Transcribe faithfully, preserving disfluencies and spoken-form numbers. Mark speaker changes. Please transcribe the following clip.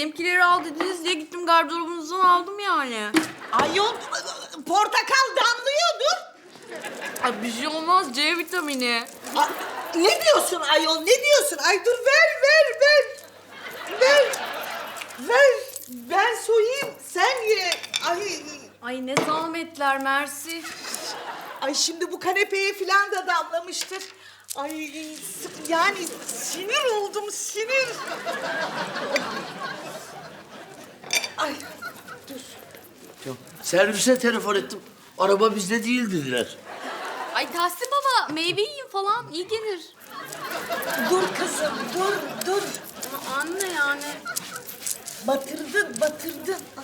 Speaker 1: benimkileri al dediniz diye gittim gardırobunuzdan aldım yani.
Speaker 2: Ayol portakal damlıyordur.
Speaker 1: Ay bir şey olmaz C vitamini.
Speaker 2: Aa, ne diyorsun ayol ne diyorsun? Ay dur ver ver ver. Ver. Ver. Ben soyayım sen ye. Ay,
Speaker 1: Ay ne zahmetler mersi.
Speaker 2: ay şimdi bu kanepeye falan da damlamıştır. Ay yani sinir oldum sinir. Ay dur.
Speaker 3: Ya, servise telefon ettim. Araba bizde değil dediler.
Speaker 1: Ay Tahsin baba meyve yiyin falan iyi gelir.
Speaker 2: Dur kızım dur dur.
Speaker 1: Ama anne yani.
Speaker 2: Batırdın batırdın.